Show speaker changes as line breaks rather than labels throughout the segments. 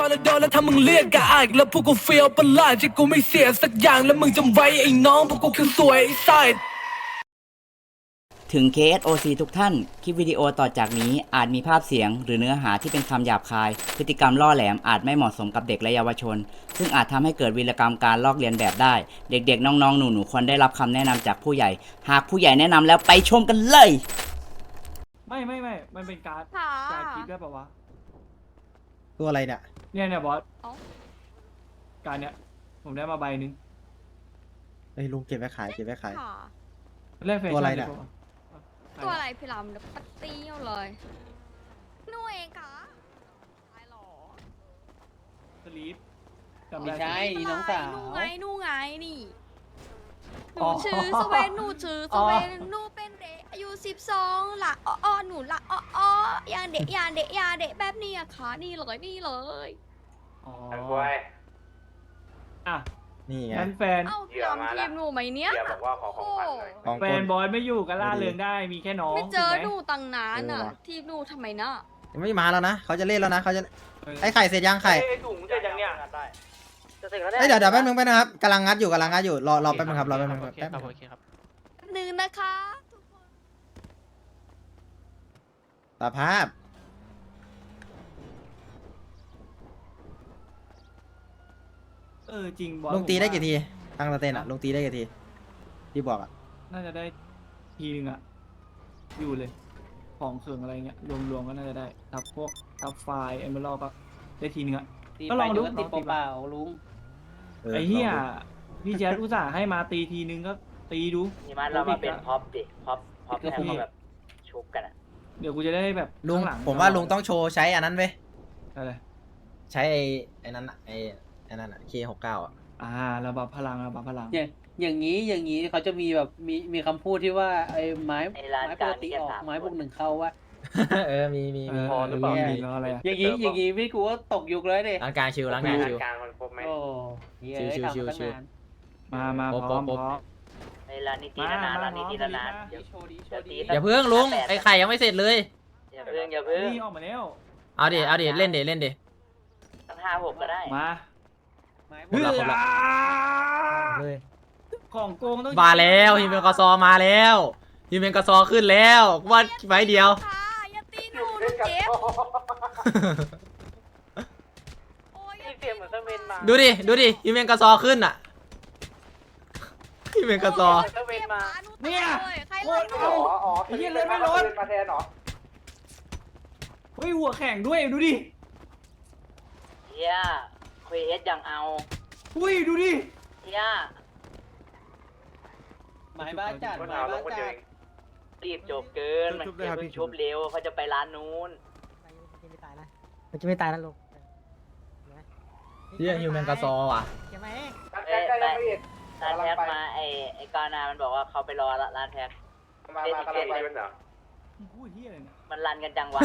แล้วโดนแล้วถ้ามึงเรียกกะอายแล้วพวกกูเฟียวประหลาดที่กูไม่เสียสักอย่างแล้วมึงจำไว้ไอ้น้องพวกกูคือสวยไอ้ไซด์
ถึง KSOC ทุกท่าน คลิปวิดีโอต่อจากนี้อาจมีภาพเสียงหรือเนื้อหาที่เป็นคำหยาบคาย พฤติกรรมล่อแหลมอาจไม่เหมาะสมกับเด็กและเยาวชน ซึ่งอาจทำให้เกิดวีรกรรมการลอกเลียนแบบได้ เด็กๆ น้องๆ หนูๆ ควรได้รับคำแนะนำจากผู้ใหญ่ หากผู้ใหญ่แนะนำแล้วไปชมกันเลย
ไม่ มันเป็นการ์ด
ค่ะ
การ์ดคิดได้ปะวะ
ตัวอะไรเนี่ย
เนี่ยบอส
เอ้า
การเนี่ยผมได้มาใบหนึง
ไอ้ยลุงเก็บไว้ขายเก็บไว้ขาย
ค่ะ
เล่นแฟ
ตัวอะไร
ชั่น
เนี่ย
ปะวะ
ตัวอะไรพี่ลำเดี๋ยวปัดเตี้ยวเลยหนูเองค่ะตายหรอ
สลีปจำ
ไม่
ได้
ใช่นี่น้องสาว
หนูไงนี่ห
อ๋
นู
อ
ชื่อสเวนหนูชื่อสเวนหนูเป็นเด็กอายุ12หละอ้อหนูละอ้อยาเด็กแบบนี้อะค่ะนี่เลย
อ๋อ
อันกล้วย
อ่ะ
นี่ไง
งั้นแฟน
เอ้าพี่ลำทีมหนูไหมเนี้ย
เดี๋ยวบอกว่าขอของขวัญหน่อย
ของ
แฟ
คน
บอสไม่อยู่ก็ล่าเริงได้มีแค่น้อง
ไม่เจอ
ถูกไห
ห
ม
นูตั้งนานอะ
เออว่ะ
ทีมหนูทำไมนะ
ยังไม่มาแล้วนะเขาจะเล่นแล้วนะเขาจะไอ้ไข่เสร็จยังไข่
ไอ้ถุงจะยังเนี่ยจะเสร็จแล้ว
เอ้ยเดี๋ยวแป๊บนึงไปนะครับกำลังงัดอยู่รอแป๊บนึงครับรอแป๊บนึงครับแป๊บนึง
นึงนะคะทุกคน
สภาพ
จริงบอส
ลุงตีได้
ผมว่า
กี่ทีตั้งสเตนอ่ะลุงตีได้กี่ทีที่บอกอ่ะ
น่าจะได้ทีนึงอะอยู่เลย ของเคืองอะไรเงี้ยรวมๆก็น่าจะได้ทับไฟล์เอเมอรัลก็ได้ทีนึงอะ
ตี
ก็
ไป
ลองดู
ดูก็ติด
ลองตี
เปล่าๆลุง
อ
ไอ้เหี้ย
ลงดู
พี่แจ๊ดอุตส่าห์ให้มาตีทีนึงก็ตีดู
นี่มันเรามาเป็นพ็อปดิพ็อปให้เขาแบบชุบกันอะ
เดี๋ยวกูจะได้แบบ
ลุง
ข้หลั
ผมว่าลุงต้องโชว์ใช้อันนั้นเว้ย
อะไร
ใช้ไอ้นั้นอะไอ้นั่นอะ K69 อ่ะ
ระบับพลัง
อย่างนี้เขาจะมีแบบมีคำพูดที่ว่าไอ้ไม้ปกติออกไม้บวกหนึ่งเข้าว่า
มี
พอหรือเปล่ามีแล้วอะไรอะ
อย่างนี้พี่กูก็ตกยุคเลยดิ
ร้านกลางชิวร้านกลางชิว
กลางมันครบไหม
โอ้เหี้ย
ชิวๆ
ทำตั้ง
ชิว
นาน
มา
โป๊ะ
พร้อม
โป๊ะ
พร้อม
ไอ้ร้านนี้ตีละนานร้านนี้ตีละนาน
โชว์ดี
อย่าเพิ่งลุงไอ้ไข่ยังไม่เสร็จเลย
อย่าเพิ่ง
นี่ออกมาแล้ว
เอาดิเล่นดิ
ตั้ง5-6ก็ได้
มา
ไม้บ
ครบละ
วก
เลย
ของโกงต้อง
มาแล้วฮิมเมนกอซอมาแล้วฮิมเมนกอซอขึ้นแล้วว่าไว้เดียว
ค่ะอย่าตีหนูหนูเจ็บโอ้ยอย่า
เสียงเหมือนเครื่องบินมา
ดูดิฮิมเมนกอซอขึ้นอ่ะฮิมเมนกอซอ
เครื่องบินมา
เนี่ย
ใคร
โค
ไล่
ตร
หนู
เอา ไอ้เหี้ยเลือดไม่ลด
มาแทนเหรอ
เฮ้ยหัวแข็งด้วยดูดิ
เฮียคุยเอสอย่างเอา
อุ้ยดูดิ
เฮีย
ไม้บ้าจัด
คน
ไม้
เอาล
บ้าง
คน
จั
เดียว
ด
เอง
รีบจบเกินมันจะเพิ่งชุบเร็วเขาจะไปร้านนู้น
มันจะไม่ตายนะลูก
เฮียฮิมเมนกอซอว่ะ
ใช่ไหม
ใกล้แล้วพี่
ร้านแพ็คมาไอ้กานามันบอกว่าเขาไปรอร้านแพ็ค
มากำลังไปเป็นเหรอ
พูดเหี้ยอะไรเนี่ย
มันรันกันจังวะ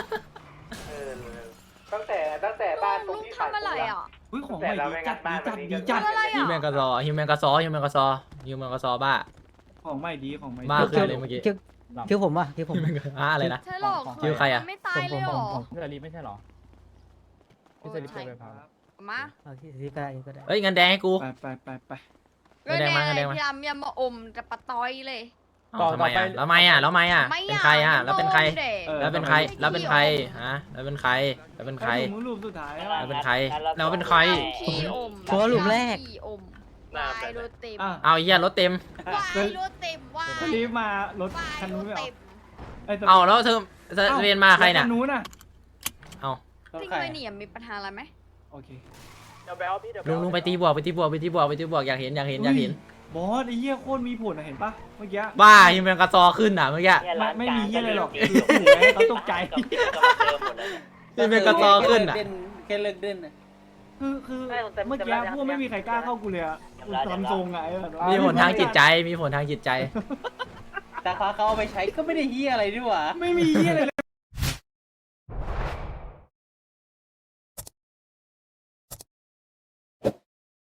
ตั้งแต่บ้านตรง
ลุง
ที่ขาย
ทำอะไรอ่ะ
อุ้ยของใหม่ดีจัดดีจัด
อะไร
ฮิม
อ่ะ
เมนกอซอบ้า
ของใหม่ดีของใหม่ดี
บ้าขึ้นเลยเมื่อกี้
คิวผมว่ะคิวผม
อะไรนะ
ใช่หรอ
คิวใครอะ
ไม่ตายเลยหรอ
เรือรีไม่ใช่หรอ
ไม่ใช่ไปพามา
เอาที่ก็ได้
เฮ้ยเงินแดงให้กู
ไป
เงินแดงมาเงินแดงมา
พี่ลำอย่ามาอมจะปะต้อยเลย
ทำไมอ่ะแล้วไม่อ่ะ
ไม่
เป็นใครอ่ะแล้วเป็นใคร
ด็ก
แล้วเป็นใครแล้วเป็นใครฮะแล้วเป็นใครแล้วเป็นใคร
มึงรูปสุดท้าย
แล้วเป็นใครแล้วเป็นใคร
ขี้อม
ผมว่าหลุมแรก
ขี้อมวายรถเต็ม
เอาเหี้ยรถเต็ม
วายรถเต็มวาย
สลีปมารถ
วาย
คัน
ร
นู้น
ถ
ไม่เอา
เต็ม
เอาแล้วเธอเรียนมาใครเนี่ย
คันนู้นน่ะ
เอา
จริงเลยเนี่ยมีปัญหาอะไรไหม
โอเค
เดี๋ยวแบลพี่เดี๋ยว
ลุงไปตีบวกอยากเห็น
บอสไอ้เหี้ยโคตรมีผลนะเห็นปะเมื่อกี้
บ้าฮิมเมนกระซอขึ้นอ่ะเมื่อกี้
ไม่มีเหี้ยอะไรหรอกคือขู่ให้เขาตกใจ
ฮิมเมนกระซอขึ้นอ่ะ
แค่เลิกเด่นนะ
คือเมื่อกี้พวกไม่มีใครกล้าเข้ากูเลยอะกูทำทรงไง
มีผลทางจิตใจ
แต่เขาเอาไปใช้ก็ไม่ได้เฮียอะไรด้วยวะ
ไม่มีเหี้ยอะไร